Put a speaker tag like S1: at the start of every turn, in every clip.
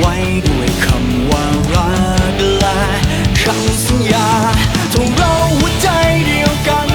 S1: ไว้ด้วยคำว่ารักและคำสัญญาทงเราหัวใจเดียวกัน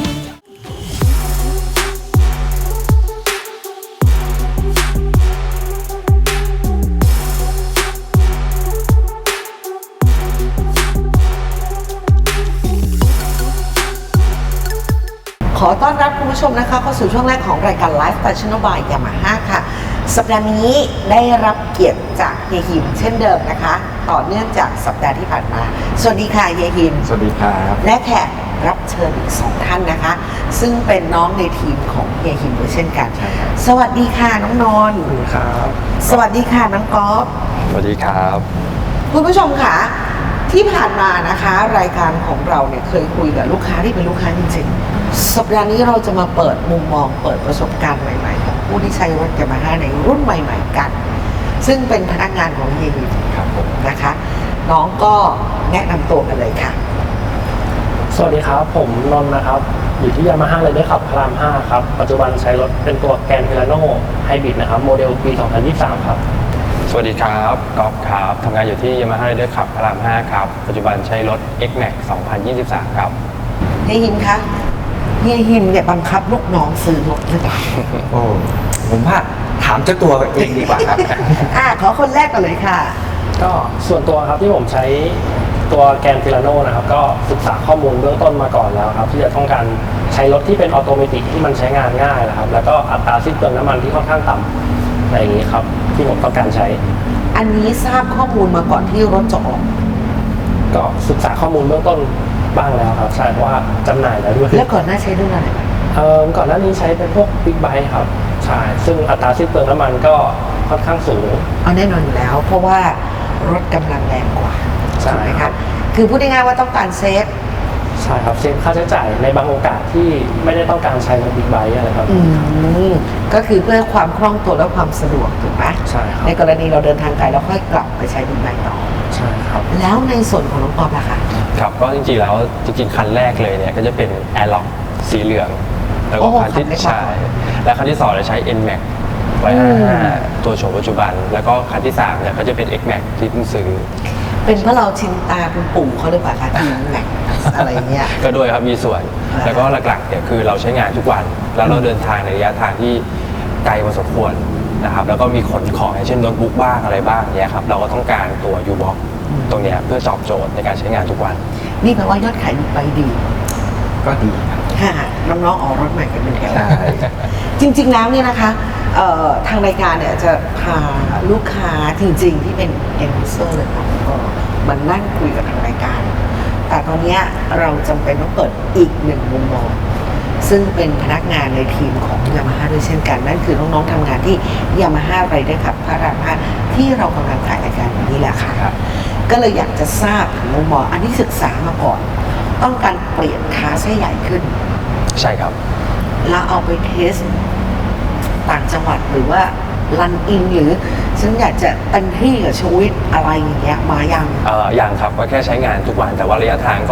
S2: ขอต้อนรับคุณผู้ชมนะคะเข้าสู่ช่วงแรกของรายการ Live Fashion by Yamaha ค่ะสัปดาห์นี้ได้รับเกียรติจากเฮียหิมเช่นเดิมนะคะต่อเนื่องจากสัปดาห์ที่ผ่านมาสวัสดีค่ะเฮียหิม
S3: สวัสดีครับ
S2: และแขกรับเชิญอีก2ท่านนะคะซึ่งเป็นน้องในทีมของเฮียหิมด้วยเช่นกันสวัสดีค่ะน้องนนท์
S3: สวัสดีครับ
S2: สวัสดีค่ะน้องก๊อฟ
S3: สวัสดีครับ
S2: คุณผู้ชมค่ะที่ผ่านมานะคะรายการของเราเนี่ยเคยคุยกับลูกค้าที่เป็นลูกค้าจริงๆสัปดาห์นี้เราจะมาเปิดมุมมองเปิดประสบการณ์ใหม่ๆของผู้ที่ใช้รถยามาฮ่าในรุ่นใหม่ๆกันซึ่งเป็นพนักงานของเฮียหิม
S3: ครับผม
S2: นะคะน้องก็แนะนำตัวกันเลยค่ะ
S4: สวัสดีครับผมนนท์นะครับอยู่ที่ยามาฮ่าเลยได้ขับพาราม5ครับปัจจุบันใช้รถเป็นตัวแกรนด์พิลาโน่ไฮบริดนะครับโมเดลปี 2023 ครับ
S3: สวัสดีครับกอล์ฟครับทำงานอยู่ที่ Yamaha Rider ขับพระราม 5 ครับ ปัจจุบันใช้รถ X-Max 2023 ครับ
S2: เฮียหิมคะเฮียหิมเนี่ยบังคับลูกน้องซื้อรถหรือเปล่า
S5: โอ้ผมว่าถามเจ้าตัวเองดีกว่าครับ
S2: ขอคนแรกก่อนเลยค่ะ
S4: ก็ส่วนตัวครับที่ผมใช้ตัวแกรนด์พิลาโน่นะครับก็ศึกษาข้อมูลเบื้องต้นมาก่อนแล้วครับที่จะต้องการใช้รถที่เป็นออโตเมติกที่มันใช้งานง่ายนะครับแล้วก็อัตราสิ้นเปลืองน้ำมันที่ค่อนข้างต่ำอะไรอย่างนี้ครับที่ผมต้องการใช้
S2: อันนี้ทราบข้อมูลมาก่อนที่รถจะออก
S4: ก็ศึกษาข้อมูลเบื้องต้นบ้างแล้วครับใช่เพราะว่าจำหน่ายแล้วด้วย
S2: แล้วก่อนหน้าใช้รุ่นอะไร
S4: ก่อนหน้านี้ใช้เป็นพวกบิ๊กไบค์ครับใช่ซึ่งอัตราสิ้นเปลืองน้ำมันก็ค่อนข้างสูง
S2: เอาแน่นอนอยู่แล้ว เพราะว่ารถกำลังแรงกว่า
S4: ใช่
S2: ถูกไหม
S4: ครั
S2: คะ
S4: บ
S2: คือพูดง่ายๆว่าต้องการเซฟ
S4: ใช่ครับเซฟค่าใช้จ่ายในบางโอกาสที่ไม่ได้ต้องการใช้รถบิ๊กไบค์อะไรครับ
S2: ก็คือเพื่อความคล่องตัวและความสะดวกถูกไหม
S4: ใช่ครับ
S2: ในกรณีเราเดินทางไกลเราค่อยกลับไปใช้บิ๊กไบค์ต่อ
S4: ใช่ครับ
S2: แล้วในส่วนของน้องปอมล่ะคะ
S3: ครับ ก็จริงๆแล้วคันแรกเลยเนี่ยก็จะเป็น Airlock สีเหลือง แล้วก็คันที่
S2: คันเล็กมาก
S3: ใช่และคันที่2จะใช้ NMAX ไว้55ตัวโฉมปัจจุบัน แล้วก็คันที่3เนี่ยก็จะเป็น X-Max ที่เพิ่งซื้อ
S2: เป็นเพราะเราชินตาคุณปู่เขาหรือเปล่าคะทีมแม็กอะไรเงี้ย
S3: ก็ด้วยครับมีส่วน
S2: อ่า
S3: แล้วก็หลักๆเนี่ยคือเราใช้งานทุกวัน แล้วเราเดินทางในระยะทางที่ไกลพอสมควรนะครับแล้วก็มีขนของอย่างเช่นโน้ตบุ๊กบ้างอะไรบ้างเนี่ยครับเราก็ต้องการตัว U-Box ตรงเนี้ยเพื่อตอบโจทย์ในการใช้งานทุกวัน
S2: นี่แปลว่ายอดขายบิ๊กไบค์ดี
S5: ก็ดีครับ
S2: ค่ะน้องๆออกรถใหม่กันเป็นแถว
S5: ใช่
S2: จริงๆแล้วเนี่ยนะคะทางรายการเนี่ยจะพาลูกค้าจริงๆที่เป็น end user เลยค่ะมานั่งคุยกับทางรายการ แต่ตอนเนี้ยเราจำเป็นต้องเปิดอีกหนึ่งมุมมอง ซึ่งเป็นพนักงานในทีมของ Yamaha ด้วยเช่นกัน นั่นคือน้องๆทำงานที่ Yamaha Rider ขับพระราม5ที่เรากำลังถ่ายรายการอยู่นี่แหละค่ะ
S3: ครับ
S2: ก็เลยอยากจะทราบถึงมุมมองอันนี้ศึกษามาก่อน ต้องการเปลี่ยนคาร์ให้ใหญ่ขึ้น
S3: ใช่ครับ
S2: แล้วเอาไปเทสต่างจังหวัดหรือว่ารันอินหรือฉันอยากจะเต็มที่กับชีวิตอะไรอย่างเงี้ยมายัง
S3: ยังครับก็แค่ใช้งานทุกวันแต่ว่าระยะทางก็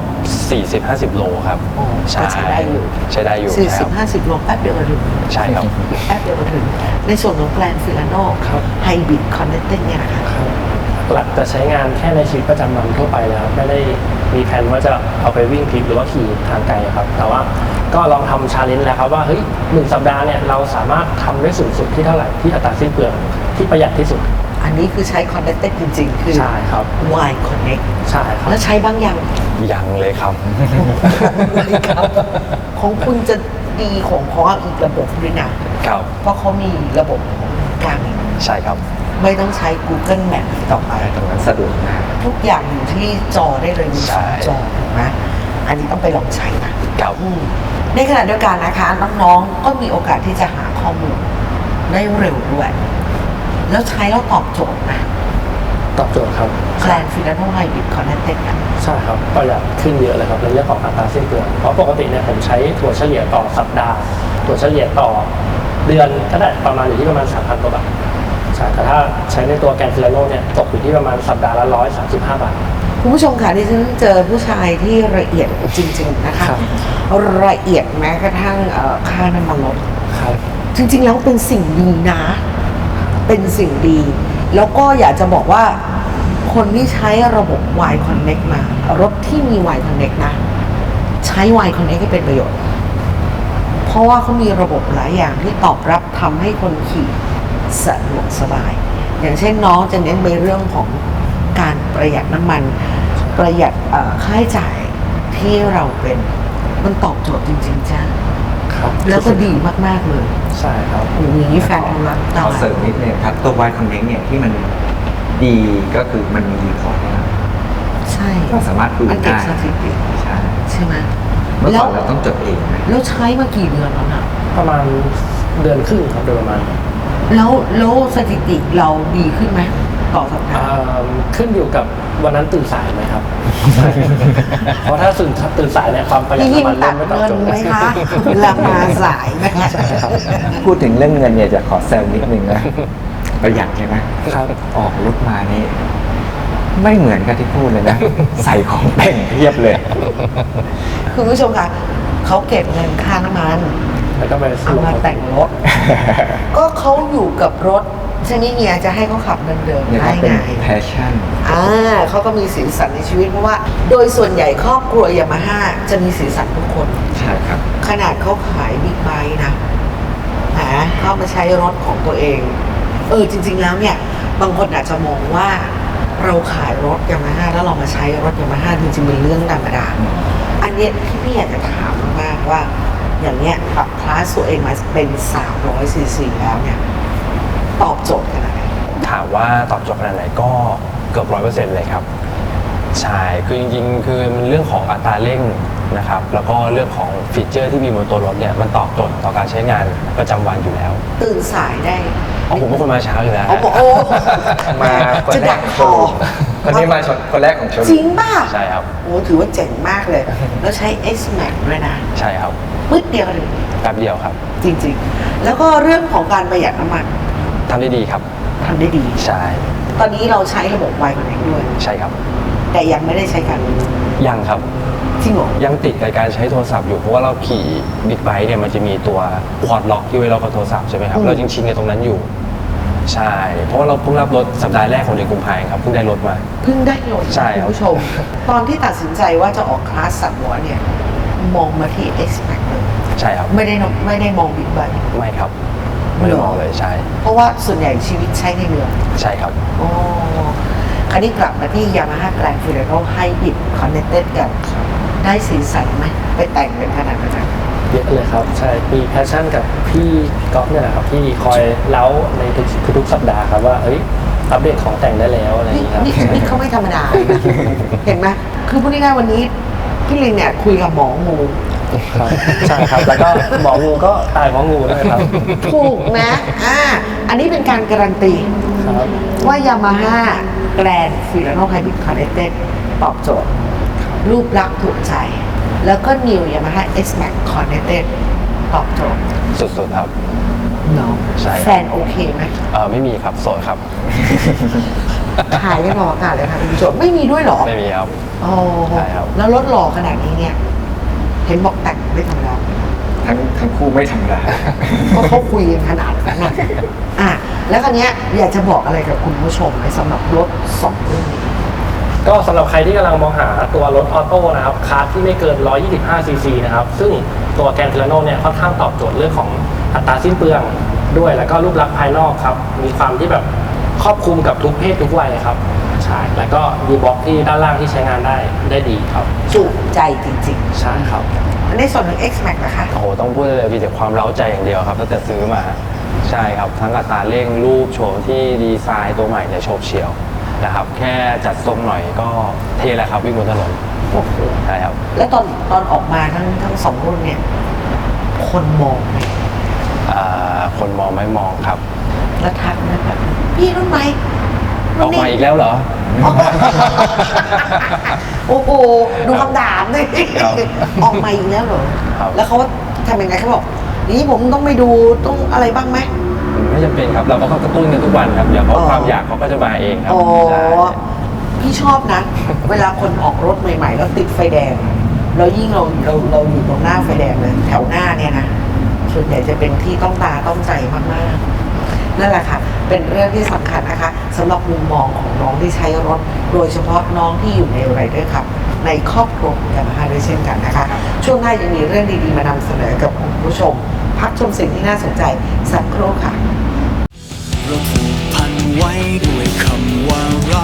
S3: 40-50 โลครับ
S2: โอ้ก็ใช้ได้อยู่
S3: ใช้ได้อยู่
S2: 40
S3: ใช่ครับ
S2: 50 โลแป๊บเดียวก็ถึง
S3: ใช่ครับ
S2: แป๊บเดียวก็ถึง ในส่วนของแกรนฟิลาโน่
S4: ครับ
S2: ไฮบริดคอนเนตติ้งเนี่ยนะคะ
S4: ครับหลักจะใช้งานแค่ในชีวิตประจำวันทั่วไปแล้วไม่ได้มีแผนว่าจะเอาไปวิ่งทริปหรือว่าขี่ทางไกลครับแต่ว่าก็ลองทำชาเลนจ์แล้วครับว่าเฮ้ย1 สัปดาห์เนี่ยเราสามารถทำได้สูงสุดที่เท่าไหร่ที่อัตราสิ้นเปลืองที่ประหยัดที่สุด
S2: อันนี้คือใช้คอนเนตติ้งจริงๆ คือ
S4: ใช่ครับ
S2: Y Connect
S4: ใช่ครับ
S2: แล้วใช้บ้างยัง
S3: ยังเลยครับ
S2: ครับของคุณจะดีของเขาอีกระบบด้วยนะ
S3: ครับ
S2: เพราะเขามีระบบของกลางอีก
S3: ใช่ครับ
S2: ไม่ต้องใช้ Google Map ต่อไป
S5: ตรงนั้นสะดวกมาก
S2: ทุกอย่างอยู่ที่จอได้เลยมี
S3: ใช่
S2: 2 จอถูกไหมอันนี้ต้องไปลองใช้นะครับ ในขณะเดียวกันนะคะน้องๆก็มีโอกาสที่จะหาข้อมูลได้เร็วด้วย แล้วใช้แล้วตอบโจทย์นะ
S4: ตอบโจทย์ครับ
S2: แกลนฟิลาโนไฮบริดคอนเนตเต็ดกัน
S4: ใช่ครับประหยัดขึ้นเยอะเลยครับในเรื่องของอัตราสิ้นเปลืองเพราะปกติเนี่ยผมใช้ถั่วเฉลี่ยต่อสัปดาห์ถั่วเฉลี่ยต่อเดือนก็ได้ประมาณอยู่ที่ประมาณ 3,000 กว่าบาทใช่แต่ถ้าใช้ในตัวแกรนฟิลาโน่เนี่ยตกอยู่ที่ประมาณสัปดาห์ละ135 บาท
S2: คุณผู้ชมค่ะที่ฉันเจอผู้ชายที่ละเอียดจริงๆนะคะ
S4: ครับ
S2: ละเอียดแม้กระทั่งค่าน้ำมันรถ
S4: ครับ
S2: จริงๆแล้วเป็นสิ่งดีนะ เป็นสิ่งดีแล้วก็อยากจะบอกว่าคนที่ใช้ระบบ Y Connect มารถที่มี Y Connect นะ ใช้ Y Connect ให้เป็นประโยชน์ เพราะว่าเขามีระบบหลายอย่างที่ตอบรับทำให้คนขี่สะดวกสบาย อย่างเช่นน้องจะเน้นไปเรื่องของการประหยัดน้ำมัน ประหยัดค่าใช้จ่ายที่เราเป็นมันตอบโจทย์จริงๆจ้า
S4: ครับ
S2: แล้วก็ดีมากๆเลย
S4: ใช่ครับ
S2: อย่างนี้แฟนของเรา
S5: ขอเสริมนิดนึงครับ ตัว Y Connect เนี่ยที่มันดีก็คือมันมีรีพอร์ตนะครับ
S2: ใช่
S5: ก็สามารถดู
S2: มันเก็บ
S5: ได้
S2: สถิติ
S5: ใช่
S2: ใช่ไหม
S5: เมื่อ
S2: แล้
S5: ก่
S2: ว
S5: อนเราต้องจดเองนะ
S2: แล้วใช้มากี่เดือนแล้วนะ
S4: ประมาณเดือนครึ่งครับโดยประมาณ
S2: แล้วสถิติเราดีขึ้นไหมต่อสัปดา
S4: อ่
S2: ห์
S4: าขึ้นอยู่กับวันนั้นตื่นสายไหมครับ เพราะถ้าตื่นสายเนี่ยความประหยัด
S2: พี่หิม
S4: น้ำมัน
S2: ตั
S4: เริ่
S2: ด
S4: มไม่ตอบ
S2: เงิน
S4: โจทย์
S2: ไหมคะเวลามาสายไหมคะ
S5: พูดถึงเรื่องเงินเนี่ยจะขอแซวนิดนึงนะ ประหยัดใช่ไหม
S4: ครับ
S5: ออกรถมานี่ไม่เหมือนกับที่พูดเลยนะ ใส่ของแต่งเพียบเลย
S2: คุณผู้ชมคะเขาเก็บเงินค่าน้ำมัน
S4: แล้วก็ไป
S2: เอามาแต่งรถ ก็เขาอยู่กับรถใช่ไหมเฮียจะให้เขาขับเดิมๆ
S5: เนี่ย
S2: ได้
S5: ก็เป็น
S2: ไง
S5: แพชชั่น
S2: เขาก็มีสีสันในชีวิตเพราะว่า โดยส่วนใหญ่ครอบครัวยามาฮ่าจะมีสีสันทุกคน
S5: ใช่ครับ
S2: ขนาดเขาขายบิ๊กไบค์นะเข้ามาใช้รถของตัวเอง จริง ๆ แล้วเนี่ย บางคนอาจจะมองว่าเราขายรถยามาฮ่าแล้วเรามาใช้รถยามาฮ่าจริงๆเป็นเรื่องธรรมดา อันเนี้ยที่พี่อยากจะถามมากว่า อย่างเนี้ยปรับคลาสตัวเองมาเป็น300ซีซีแล้วเนี่ย ตอบโจทย์ขนาดไหน
S3: ถามว่าตอบโจทย์ขนาดไหนก็เกือบ100%เลยครับใช่คือจริงๆ คือมันเรื่องของอัตราเร่งนะครับแล้วก็เรื่องของฟีเจอร์ที่มีบนตัวรถเนี่ยมันตอบโจทย์ต่อการใช้งานประจำวันอยู่แล้ว
S2: ตื่นสายได้
S3: อ๋อผมเป็นคนมาเช้าอยู่แล้ว
S2: เอาบอกโอ้
S5: มาคน
S2: จะ
S5: แร
S2: ดั
S5: ก
S2: ก
S5: ของ
S2: ค
S5: โช
S2: อ
S5: ว์คนนี้มาชนคนแรกของโชว์
S2: จริงป่ะ
S3: ใช่ครับ
S2: โอ้ถือว่าเจ๋งมากเลย แล้วใช้ X Max ด้วยนะ
S3: ใช่ครับ
S2: มืดเดียวเลย
S3: แป๊บเดียวครับ
S2: จริงๆ แล้วก็เรื่องของการประหยัดน้ำมัน
S3: ทำได้ดีครับ
S2: ทำได้ดี
S3: ใช่
S2: ตอนนี้เราใช้ระบบ Y Connect ด้วย
S3: ใช่ครับ
S2: แต่ยังไม่ได้ใช้กัน
S3: ยังครับ
S2: จริงเหรอ
S3: ยังติดกับการใช้โทรศัพท์อยู่เพราะว่าเราขี่บิ๊กไบค์เนี่ยมันจะมีตัวพอร์ตล็อกที่ไว้ล็อกกับโทรศัพท์ใช่ไหมครับเราจริงชินกับตรงนั้นอยู่ ใช่ เพราะว่าเราเพิ่งรับรถสัปดาห์แรกของเดือนกุมภาพันธ์ครับเพิ่งได้รถมา
S2: เพิ่งได้รถ
S3: ใช่ครับ
S2: คุณผู้ชม ตอนที่ตัดสินใจว่าจะออกคลาสสับหัวเนี่ย มองมาที่ X Max เลย
S3: ใช่ครับ
S2: ไม่ได้มองบิ๊กไบค์
S3: ไม่ครับไม่ได้มองเลยใช่
S2: เพราะว่าส่วนใหญ่ชีวิตใช้ในเมือง
S3: ใช่ครับ
S2: อ๋อคราวนี้กลับมาที่ Yamaha Grand Filano Hybrid Connected กัน ได้สีสันไหมไปแต่งเป็นขนาดนั้น
S4: เยอะเลยครับ ใช่ มีแพชชั่นกับพี่ก๊อฟเนี่ยแหละครับที่คอยเล้าในทุกสัปดาห์ครับว่าเอ้ยอัปเดตของแต่งได้แล้วอะไรอย่าง
S2: นี่
S4: เงี้ยครับ
S2: นี่เขาไม่ธรรมดาเลยนะ เห็นไหมคือพูดง่ายๆวันนี้พี่ลิงเนี่ยคุยกับหมองู
S4: ครับใช่ครับ แล้วก็หมองูก็ตายเพราะงูด้วยครับ
S2: ถูกนะอันนี้เป็นการการันตี
S4: ครับ
S2: ว่า Yamaha Grand Filano Hybrid Connected ตอบโจทย์ รูปลักษณ์ถูกใจ แล้วก็ New Yamaha X Max Connected ตอบโจทย์
S3: สุดๆครับ
S2: เนาะ
S3: ใช่ครับ
S2: แฟนโอเคไหม
S3: ไม่มีครับโสดครับ
S2: ถ่ายไม่รออากาศเลยค่ะคุณผู้ชมไม่มีด้วยเหรอ
S3: ไม่มีครับ
S2: อ๋อ
S3: ใช่ครับ
S2: แล้วรถหล่อขนาดนี้เนี่ย เห็นบอกแต่งไม่ธรรมดา
S5: ทั้งคู่ไม่ธรรมดา
S2: เพราะเขาคุยกันขนาดนั้นนะแล้วคราวเนี้ยอยากจะบอกอะไรกับคุณผู้ชมไหมสำหรับรถสองรุ่นนี้
S4: ก็สำหรับใครที่กำลังมองหาตัวรถออโต้นะครับคาร์ที่ไม่เกิน 125 ซีซีนะครับ ซึ่งตัวแกรนด์ Filano เนี่ยค่อนข้างตอบโจทย์เรื่องของอัตราสิ้นเปลืองด้วย แล้วก็รูปลักษณ์ภายนอกครับ มีความที่แบบครอบคลุมกับทุกเพศทุกวัยครับ ใช่ แล้วก็ยูบ็อกที่ด้านล่างที่ใช้งานได้ดีครับ
S2: จุใจจริง
S4: ใช่ครับ
S2: ๆในส่วนของ X Max นะคะ
S3: โอ้โหต้องพูดเลยมีแต่ความเร้าใจอย่างเดียวครับตั้งแต่ซื้อมาใช่ครับทั้งอัตราเร่งรูปโฉมที่ดีไซน์ตัวใหม่เนี่ยโฉบเฉี่ยวนะครับแค่จัดทรงหน่อยก็เท่แล้วครับวิ่งบนถนน
S2: โอ้โห
S3: ใช่ครับ
S2: แล้วตอนออกมาทั้งสองรุ่นเนี่ย คนมองไหม
S3: คนมองไม่มองครับ
S2: แล้วทักนะแบบพี่รุ่นไหม
S3: ออกมาอีกแล้วเหรอ
S2: โอ้โหดูคำถามเลย
S3: ครับ
S2: ออกมาอีกแล้วเหรอ
S3: ครับ
S2: แล้วเขาทำยังไงเขาบอกนี่ผมต้องไปดูต้องอะไรบ้างไหม
S3: ไม่จำเป็นครับเราก็กระตุ้นกันทุกวันครับเดี๋ยวเขา
S2: อ๋อ
S3: ความอยากเขาก็จะมาเองครับ
S2: อ๋อ
S3: ใช่
S2: พี่ชอบนะ เวลาคนออกรถใหม่ๆแล้วติดไฟแดง แล้วยิ่งเราอยู่ตรงหน้าไฟแดงเลยแถวหน้าเนี่ยนะส่วนใหญ่จะเป็นที่ต้องตาต้องใจมากๆนั่นแหละค่ะเป็นเรื่องที่สำคัญนะคะสำหรับมุมมองของน้องที่ใช้รถ โดยเฉพาะน้องที่อยู่ในไรเดอร์ครับในครอบครัวยามาฮ่าด้วยเช่นกันนะคะช่วงหน้ายังมีเรื่องดีๆมานำเสนอกับคุณผู้ชม พักชมสิ่งที่น่าสนใจสักครู่ค่ะ
S1: เราผูกพันไว้ด้วยคำว่ารัก